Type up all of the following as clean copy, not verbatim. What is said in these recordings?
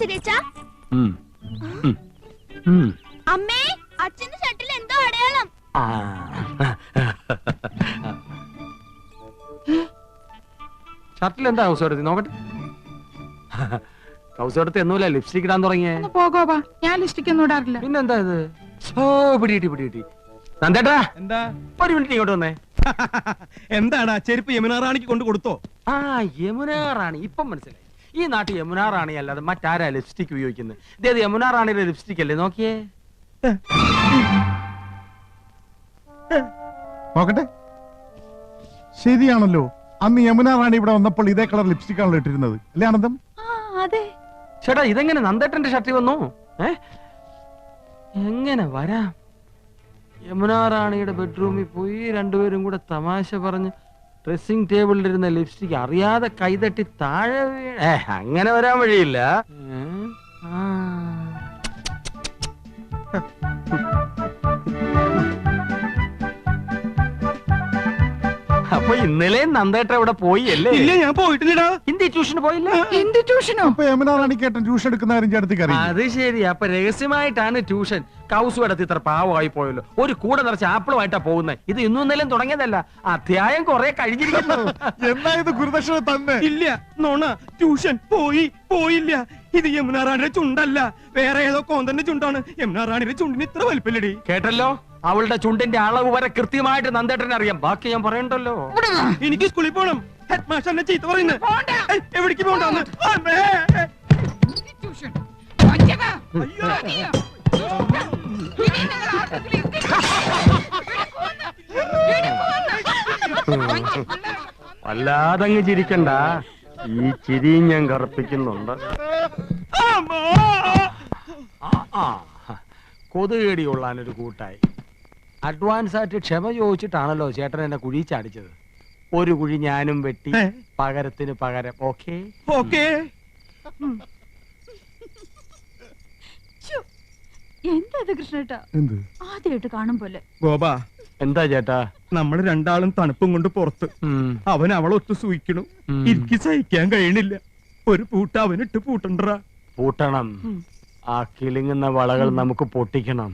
സീതേച്ചാ? അമ്മേ, അച്ഛന്റെ ഷർട്ടിൽ എന്തോ അടയാളം. ഷർട്ടിൽ എന്താ കൗസോടത്തി നോക്കട്ടെ. കൗസോടത്തി എന്നൂല ലിപ്സ്റ്റിക് ഇടാൻ തുടങ്ങിയേ. പോകോപ്പാ, ഞാൻ ലിപ്സ്റ്റിക് ഒന്നും ഇടാറില്ല. പിന്നെന്താ ഇത്? പിടികിട്ടി. നന്ദേട്ടാ, എന്താ? ഒരു മിനിറ്റ് ഇങ്ങോട്ട് വന്നേ. എന്താണ് ചെരുപ്പ് യമുന റാണിക്ക് കൊണ്ട് കൊടുത്തോ? യമുന റാണി ഇപ്പം മനസ്സിലായി. ഈ നാട്ടിൽ യമുന റാണി അല്ലാതെ മറ്റാരാ ലിപ്സ്റ്റിക് ഉപയോഗിക്കുന്നത്? ഇതേത് യമുന റാണിയുടെ ലിപ്സ്റ്റിക് അല്ലേ? നോക്കിയേ. നോക്കട്ടെ, ശരിയാണല്ലോ. അന്ന് യമുന റാണി ഇവിടെ വന്നപ്പോൾ ഇതേ കളർ ലിപ്സ്റ്റിക് ആണല്ലോ ഇട്ടിരുന്നത്, അല്ലേ ആനന്ദം? അതെ ചേട്ടാ, ഇതെങ്ങനെ നന്ദേട്ടന്റെ ഷർട്ടിൽ വന്നു? എങ്ങനെ വരാം? യമുന റാണിയുടെ ബെഡ്റൂമിൽ പോയി രണ്ടുപേരും കൂടെ തമാശ പറഞ്ഞ് ഡ്രസ്സിംഗ് ടേബിളിലിരുന്ന ലിപ്സ്റ്റിക് അറിയാതെ കൈതട്ടി താഴെ അങ്ങനെ വരാൻ വഴിയില്ല. അപ്പൊ ഇന്നലെ നന്ദേട്ട ഇവിടെ പോയി അല്ലേ? ഇല്ല, ഞാൻ പോയിട്ടില്ലടാ. ഹിന്ദി ട്യൂഷന് പോയില്ല? ഹിന്ദി ട്യൂഷനോ? അപ്പൊ യമുന റാണിക്കേട്ടൻ ട്യൂഷൻ എടുക്കുന്ന കാര്യം ചേട്ടത്തിക്ക് അറിയാം. അത് ശരി. അപ്പൊ രഹസ്യമായിട്ടാണ് ട്യൂഷൻ. കൗസു എടുത്ത് ഇത്ര പാവമായി പോയല്ലോ. ഒരു കൂടെ നിറച്ച് ആപ്പിളുമായിട്ടാ പോകുന്നത്. ഇത് ഇന്നും ഇന്നലെയും തുടങ്ങിയതല്ല, അധ്യായം കുറെ കഴിഞ്ഞിരിക്കുന്നു. എന്നാ ഇത് ഗുരുദക്ഷിണ തന്നെ? ഇല്ല, നോണ. ട്യൂഷൻ പോയില്ല. ഇത് യമുന റാണിയുടെ ചുണ്ടല്ല, വേറെ ഏതോ കോന്തന്റെ ചുണ്ടാണ്. യമുന റാണിയുടെ ചുണ്ടിന് ഇത്ര വലിപ്പല്ലടി. കേട്ടല്ലോ, അവളുടെ ചുണ്ടിന്റെ അളവ് വരെ കൃത്യമായിട്ട് നന്ദേട്ടനെ അറിയാം. ബാക്കി ഞാൻ പറയണ്ടല്ലോ. എനിക്ക് സ്കൂളിൽ പോണം. ഹെഡ് മാസ്റ്റർ എന്നെ ചീത്ത പറയുന്നത്. എവിടേക്ക് പോകണ്ടെന്ന്? വല്ലാതങ്ങ് ചിരിക്കണ്ട, ഈ ചിരി ഞാൻ കറുപ്പിക്കുന്നുണ്ട്. കൊതുകേടി കൊള്ളാനൊരു കൂട്ടായി. അഡ്വാൻസ് ആയിട്ട് ക്ഷമ ചോദിച്ചിട്ടാണല്ലോ ചേട്ടൻ എന്നെ കുഴി ചാടിച്ചത്. ഒരു കുഴി ഞാനും വെട്ടി, പകരത്തിന് പകരം. ഓക്കേ? എന്താ കൃഷ്ണേട്ടാ? ആദ്യമായിട്ട് കാണും പോലെ. ഗോപാ, എന്താ ചേട്ടാ? നമ്മൾ രണ്ടാളും തണുപ്പും കൊണ്ട് പുറത്ത്. അവൻ അവളൊത്ത് സൂയിക്കണു. എനിക്ക് സഹിക്കാൻ കഴിയണില്ല. ഒരു പൂട്ട അവനിട്ട് പൂട്ടണ്ടാ. പൂട്ടണം. ആ കിളിങ്ങുന്ന വളകൾ നമുക്ക് പൊട്ടിക്കണം.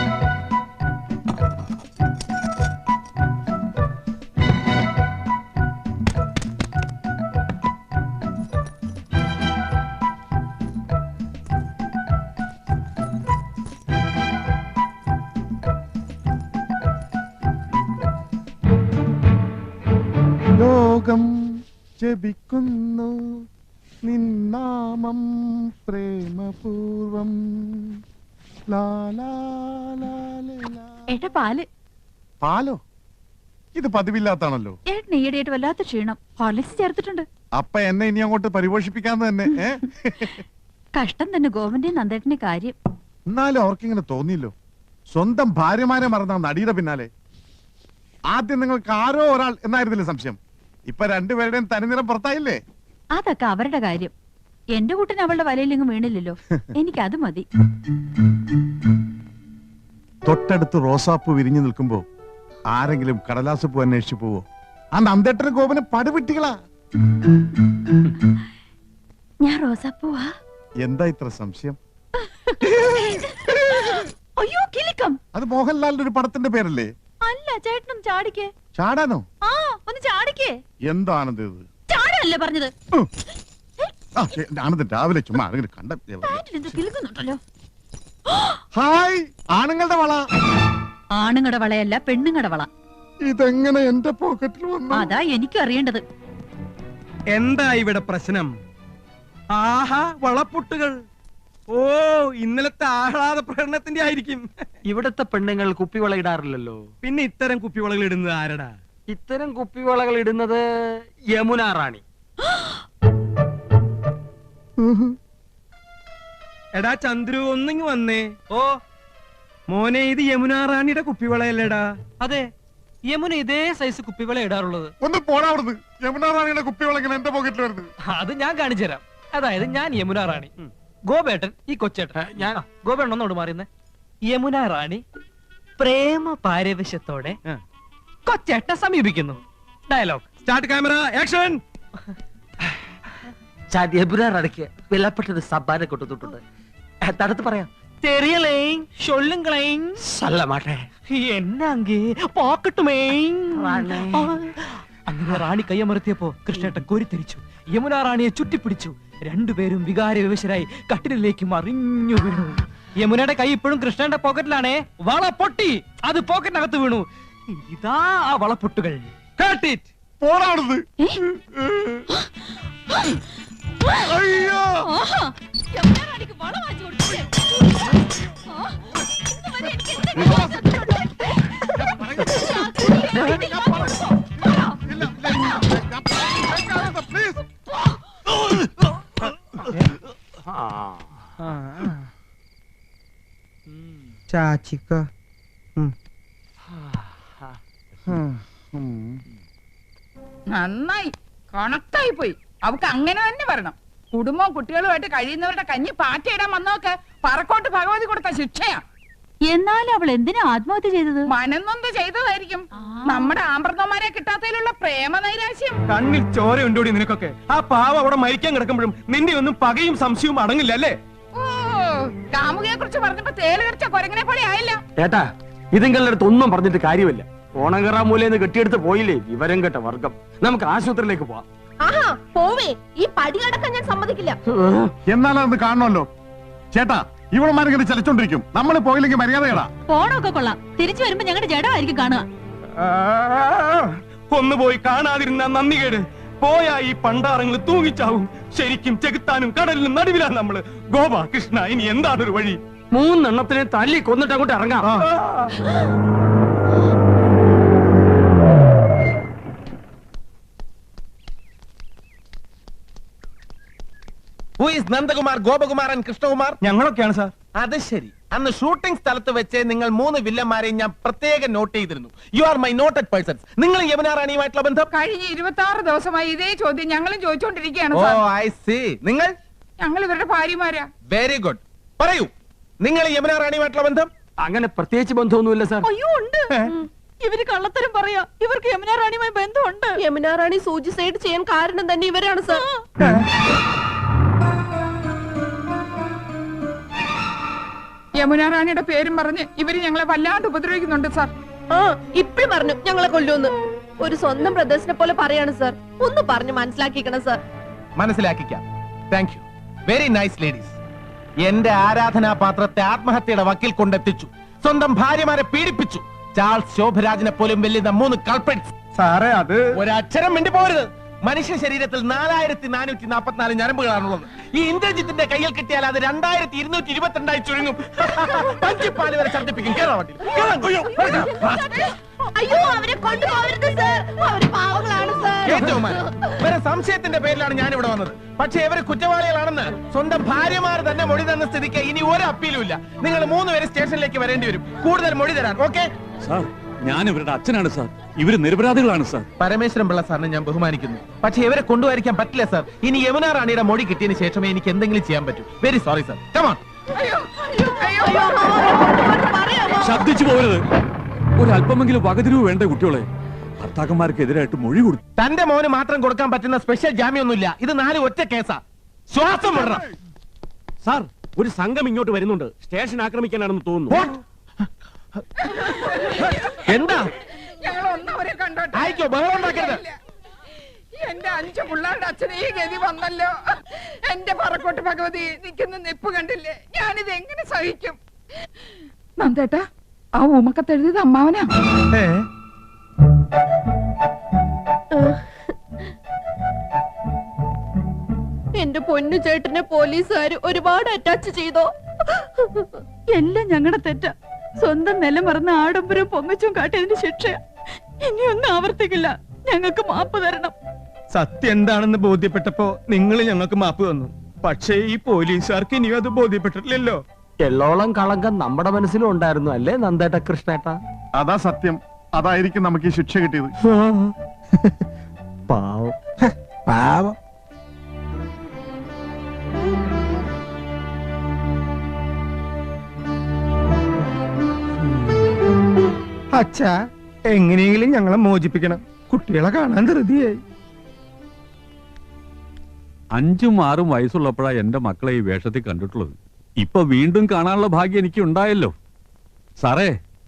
ലോകം ജപിക്കുന്നു നിന്നാമം പ്രേമപൂർവം. ഏട്ടാ, പാല്. പാലോ? ഇത് പതിവില്ലാത്താണല്ലോ. ഏട്ടൻ ഈയിടെയായിട്ട് വല്ലാത്ത ക്ഷീണം. ഹോർലിക്സ് ചേർത്തിട്ടുണ്ട്. അപ്പൊ എന്നെ ഇനി അങ്ങോട്ട് പരിപോഷിപ്പിക്കാന്ന് തന്നെ. കഷ്ടം തന്നെ ഗോവന്റെ നന്ദേട്ടന്റെ കാര്യം. എന്നാലും അവർക്കിങ്ങനെ തോന്നിയില്ലോ. സ്വന്തം ഭാര്യമാരെ മറന്ന നടിയുടെ പിന്നാലെ. ആദ്യം നിങ്ങൾക്ക് ആരോ ഒരാൾ എന്നായിരുന്നില്ല സംശയം. ഇപ്പൊ രണ്ടുപേരുടെയും തനിനിറം പുറത്തായില്ലേ? അതൊക്കെ അവരുടെ കാര്യം. എന്റെ കൂട്ടിന് അവളുടെ വലയിലെങ്ങും വീണില്ലല്ലോ. എനിക്കത് മതി. തൊട്ടടുത്ത് റോസാപ്പൂ വിരിഞ്ഞു നിൽക്കുമ്പോ ആരെങ്കിലും കടലാസ് പൂ അന്വേഷിച്ചു പോവോ? ആ നന്ദേട്ടന് ഗോപന് പടുവിട്ടികളാ. ഞാൻ റോസാപ്പൂവാ. എന്താ ഇത്ര സംശയം? അയ്യോ, കിലുക്കം. അത് മോഹൻലാലിന്റെ ഒരു പടത്തിന്റെ പേരല്ലേ? അല്ല, ചേട്ടനും ചാടിക്കേ. ചാടാനോ? ഒന്ന് ചാടിക്കേ. എന്താണെന്ന് ഇത്? ചാടല്ലേ പറഞ്ഞത്? ആനന്ദൻ രാവിലെ ചുമ്മാ കണ്ട. കിലുക്കുന്നുണ്ടല്ലോ. ഹായ്, ആണുങ്ങളുടെ വള. ആണുങ്ങളുടെ വളയല്ല, പെണ്ണുങ്ങളുടെ വള. ഇതെങ്ങനെ എന്റെ പോക്കറ്റിൽ വന്നു? അതാ എനിക്ക് അറിയേണ്ടത്. എന്താ ഇവിടെ പ്രശ്നം? ആഹാ, വളപ്പൊട്ടുകൾ. ഓ, ഇന്നലത്തെ ആഹ്ലാദ പ്രകടനത്തിന്റെ ആയിരിക്കും. ഇവിടത്തെ പെണ്ണുങ്ങൾ കുപ്പിവള ഇടാറില്ലല്ലോ. പിന്നെ ഇത്തരം കുപ്പിവളകൾ ഇടുന്നത് ആരടാ? ഇത്തരം കുപ്പിവളകൾ ഇടുന്നത് യമുന റാണി. എടാ ചന്ദ്രു, ഒന്നിങ്ങ് വന്നേ. ഓ മോനെ, ഇത് യമുന റാണിയുടെ കുപ്പിവളയല്ലേടാ? അതെ, യമുന ഇതേ സൈസ് കുപ്പിവള ഇടാറുള്ളത്. ഒന്ന് പോടാവുന്നത്. യമുന റാണിയുടെ കുപ്പിവള എന്റെ പോക്കറ്റിൽ വരുന്നത്. അത് ഞാൻ കാണിച്ചു തരാം. അതായത് ഞാൻ യമുന റാണി, ഗോപേട്ടൻ ഈ കൊച്ചേട്ടൻ. ഞാൻ ഗോപേട്ടൻ ഒന്നോട് മാറിയുന്നേ. യമുന റാണി പ്രേമ പാരവശ്യത്തോടെ കൊച്ചേട്ടനെ സമീപിക്കുന്നു. Dialogue start, camera, action. ഞാൻ യമുന റാണിക്ക് വിലപ്പെട്ടൊരു സമ്മാനം കൊണ്ടുവന്നിട്ടുണ്ട്. തടുത്ത് പറയാം. தெரியலை சொல்லுங்களேன். സല്ല മാട്ടെ. എന്നാങ്കി പോക്കട്ടുമേ. റാണി. അങ്ങനെ റാണി കയ്യമർത്തിയപ്പോ കൃഷ്ണേട്ടൻ കോരിത്തിരിച്ചു. യമുന റാണിയെ ചുറ്റിപ്പിടിച്ചു. രണ്ടുപേരും വികാര വിവശരായി കട്ടിലിലേക്ക് മറിഞ്ഞു വീണു. യമുനയുടെ കൈ ഇപ്പോഴും കൃഷ്ണന്റെ പോക്കറ്റിലാണേ. വള പൊട്ടി, അത് പോക്കറ്റിനകത്ത് വീണു. ഇതാ ആ വളപ്പൊട്ടുകൾ. പോടാണത്. അയ്യോ യമുനാറാണിക്ക് വള വാങ്ങിച്ചു കൊടുത്തില്ലേ? ഇതുവരെ എനിക്ക് ചാച്ചിക്ക നന്നായി കണക്റ്റായി പോയി. അവക്ക് അങ്ങനെ തന്നെ വരണം. കുടുംബവും കുട്ടികളുമായിട്ട് കഴിയുന്നവരുടെ കഞ്ഞി പാറ്റയിടാൻ വന്നവർക്ക് പറക്കോട്ട് ഭഗവതി കൊടുത്ത ശിക്ഷയാ. എന്നാലും അവൾ എന്തിനാ ആത്മഹത്യ ചെയ്തത്? മനന്നൊന്ത് ചെയ്തതായിരിക്കും. നമ്മുടെ ആമ്പ്രതന്മാരെ കിട്ടാത്തതിലുള്ള പ്രേമ നൈരാശ്യം. കണ്ണിൽ ചോര ഉണ്ടോടി നിനക്കൊക്കെ? ആ പാവ അവിടെ മരിക്കാൻ കിടക്കുമ്പോഴും നിന്റെ ഒന്നും പകയും സംശയവും അടങ്ങില്ല അല്ലേ? ഓ, കാമുകയെ കുറിച്ച് പറഞ്ഞപ്പോ തേല് കടിച്ച കൊരങ്ങനെ പോലെ ആയില്ല. ഏട്ടാ, ഇതിങ്ങളുടെ അടുത്ത് ഒന്നും പറഞ്ഞിട്ട് കാര്യമില്ല. ഓണങ്കറ മൂലന്ന് കെട്ടിയെടുത്ത് പോയില്ലേ വിവരം കേട്ട വർഗം. നമുക്ക് ആശുപത്രിയിലേക്ക് പോവാം. ആഹാ പോവേ, ഈ പടിയടക്കം ഞാൻ സമ്മതിക്കില്ല. എന്നാലത് കാണണമല്ലോ. ചേട്ടാ, ഇവളമാരിങ്ങനെ ചലിച്ചോണ്ടിരിക്കും. നമ്മൾ പോയില്ലെങ്കിൽ മര്യാദകളാ. പോണൊക്കെ കൊള്ളാം. തിരിച്ചു വരുമ്പോ ഞങ്ങളുടെ ജഡമായിരിക്കും കാണുക. ഒന്നുപോയി കാണാതിരുന്ന നന്ദി കേട്. പോയാ ഈ പണ്ടാറങ്ങൾ തൂങ്ങിച്ചാവും. ശരിക്കും ചെകുത്താനും കടലിനും നടുവിലാ നമ്മള്. ഗോപ കൃഷ്ണ, ഇനി എന്താണൊരു വഴി? 3 എണ്ണത്തിനെ തല്ലി കൊന്നിട്ട് അങ്ങോട്ട് ഇറങ്ങാം. നന്ദകുമാർ, ഗോപകുമാർ ആൻഡ് കൃഷ്ണകുമാർ? ഞങ്ങളൊക്കെയാണ് സാർ. അത് ശരി. അന്ന് ഷൂട്ടിംഗ് സ്ഥലത്ത് വെച്ച് നിങ്ങൾ 3 വില്ലന്മാരെയും ഞാൻ പ്രത്യേകം നോട്ട് ചെയ്തിരുന്നു. You are my noted persons. നിങ്ങൾ യമുന റാണിയുമായിട്ടുള്ള ബന്ധം? കഴിഞ്ഞ 26 ദിവസമായി ഇതേ ചോദ്യം ഞങ്ങളും ചോദിച്ചുകൊണ്ടിരിക്കുകയാണ്. ഓ ഐ സീ. നിങ്ങൾ? ഞങ്ങൾ ഇവരുടെ ഭാര്യമാരാ. Very good. പറയൂ, നിങ്ങൾ യമുന റാണിയുമായിട്ടുള്ള ബന്ധം? അങ്ങനെ പ്രത്യേകിച്ച് ബന്ധമൊന്നുമില്ല സാർ. അയ്യോ ഉണ്ട്. ഇവര് കള്ളത്തരം പറയാ. ഇവർക്ക് യമുന റാണിയുമായി ബന്ധമുണ്ട്. യമുന റാണി സൂയിസൈഡ് ചെയ്യാൻ കാരണം തന്നെ ഇവരാണ് സർ. യമുന റാണിയുടെ പേരും പറഞ്ഞ് ഇവര് ഞങ്ങളെ വല്ലാണ്ട് ഉപദ്രവിക്കുന്നുണ്ട് സാർ. ആ ഇപ്പഴും പറഞ്ഞു ഞങ്ങളെ കൊല്ലുമെന്ന്. ഒരു സ്വന്തം ബ്രദേഴ്സിനെ പോലെ പറയാണ് സർ. ഒന്ന് പറഞ്ഞു മനസ്സിലാക്കിക്കണം സർ. മനസ്സിലാക്കിക്കാം. Thank you. Very nice ladies. എന്റെ ആരാധനാപാത്രത്തെ ആത്മഹത്യയുടെ വക്കിൽ കൊണ്ടെത്തിച്ചു. സ്വന്തം ഭാര്യമാരെ പീഡിപ്പിച്ചു. ചാൾസ് ശോഭരാജിനെ പോലും വെല്ലുന്ന 3 കൾപ്രിറ്റ്സ്. സാറേ, അത് ഒരക്ഷരം മിണ്ടി പോരുത്. മനുഷ്യ ശരീരത്തിൽ 4444 ഞരമ്പുകളാണുള്ളത്. ഈ ഇന്ദ്രജിത്തിന്റെ കയ്യിൽ കിട്ടിയാൽ അത് 2222 ചുരുങ്ങും. പഞ്ചിപ്പാല് വരെ ഛർദ്ദിപ്പിക്കും. അയ്യോ അവരെ കൊണ്ടുപോകരുത് സർ. അവര് പാവങ്ങളാണ് സർ. വേറെ സംശയത്തിന്റെ പേരിലാണ് ഞാൻ ഇവിടെ വന്നത്. പക്ഷെ ഇവര് കുറ്റവാളികളാണെന്ന് സ്വന്തം ഭാര്യമാർ തന്നെ മൊഴി തന്ന സ്ഥിതിക്ക് ഇനി ഒരു അപ്പീലും ഇല്ല. നിങ്ങൾ 3 പേര് സ്റ്റേഷനിലേക്ക് വരേണ്ടി വരും. കൂടുതൽ മൊഴി തരാൻ. Okay sir? ഞാൻ ഇവരുടെ അച്ഛനാണ് സാർ. ഇവര് നിരപരാധികളാണ് സാർ. പരമേശ്വരൻ പിള്ള സാറിനെ ഞാൻ ബഹുമാനിക്കുന്നു. പക്ഷെ ഇവരെ കൊണ്ടുവരിക്കാൻ പറ്റില്ല സാർ. ഇനി യമുന റാണിയുടെ മൊഴി കിട്ടിയതിന് ശേഷമേ എനിക്ക് എന്തെങ്കിലും ചെയ്യാൻ പറ്റൂ. Very sorry sir. Come on. ശബ്ദിച്ചു പോകരുത്. ഒരല്പമെങ്കിലും വകതിരിവ് വേണ്ട കുട്ടികളെ. ഭർത്താക്കന്മാർക്കെതിരായിട്ട് മൊഴി കൊടുത്തു. തന്റെ മോന് മാത്രം കൊടുക്കാൻ പറ്റുന്ന സ്പെഷ്യൽ ജാമ്യമൊന്നുമില്ല. ഇത് 4 ഒറ്റ കേസാ. ശ്വാസം വിടണം. സാർ, ഒരു സംഘം ഇങ്ങോട്ട് വരുന്നുണ്ട്. സ്റ്റേഷൻ ആക്രമിക്കാനാണെന്ന് തോന്നുന്നു. എന്താ? ഞങ്ങൾ ഒന്നവരെ കണ്ടോട്ടെ. ആയിക്കോ, ബഹളം ഉണ്ടാക്കരുത്. എന്റെ 5 പിള്ളേരുടെ അച്ഛനെ ഈ ഗതി വന്നല്ലോ. എന്റെ പറക്കോട്ട് ഭഗവതി നിൽക്കുന്ന നിപ്പ് കണ്ടില്ലേ? ഞാനിത് എങ്ങനെ സഹിക്കും? നന്ദേട്ടാ, ആ ഊമക്കത്തെഴുതിയത് അമ്മാവനാ. എന്റെ പൊന്നു ചേട്ടനെ പോലീസുകാര് ഒരുപാട് അറ്റാച്ച് ചെയ്തോ? എല്ലാം ഞങ്ങളുടെ തെറ്റാ. സ്വന്തം നില മറന്ന ആഡംബരം പൊങ്ങച്ചും കാട്ടിയതിന് ശിക്ഷ ഇനിയൊന്നും ആവർത്തിക്കില്ല. ഞങ്ങൾക്ക് മാപ്പ് തരണം. സത്യം എന്താണെന്ന് ബോധ്യപ്പെട്ടപ്പോ നിങ്ങൾ ഞങ്ങൾക്ക് മാപ്പ് തന്നു. പക്ഷേ ഈ പോലീസുകാർക്ക് ഇനിയും അത് ബോധ്യപ്പെട്ടിട്ടില്ലല്ലോ. എള്ളോളം കളങ്കം നമ്മുടെ മനസ്സിലും ഉണ്ടായിരുന്നു അല്ലേ നന്ദേട്ട കൃഷ്ണേട്ട? അതാ സത്യം. അതായിരിക്കും നമുക്ക് ഈ ശിക്ഷ കിട്ടിയത്. പാവം പാവം. അച്ഛാ, എങ്ങനെയെങ്കിലും ഞങ്ങളെ മോചിപ്പിക്കണം. കുട്ടികളെ കാണാൻ ധൃതിയായി. 5ഉം 6ഉം വയസ്സുള്ളപ്പോഴാ എന്റെ മക്കളെ ഈ വേഷത്തിൽ കണ്ടിട്ടുള്ളത്. ഇപ്പൊ വീണ്ടും കാണാനുള്ള ഭാഗ്യം എനിക്ക് ഉണ്ടായല്ലോ. സാറേ,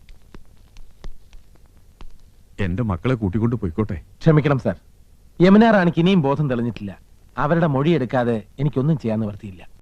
എന്റെ മക്കളെ കൂട്ടിക്കൊണ്ട് പോയിക്കോട്ടെ. ക്ഷമിക്കണം സാർ, യമുന റാണിക്ക് ഇനിയും ബോധം തെളിഞ്ഞിട്ടില്ല. അവരുടെ മൊഴിയെടുക്കാതെ എനിക്കൊന്നും ചെയ്യാൻ നിവർത്തിയില്ല.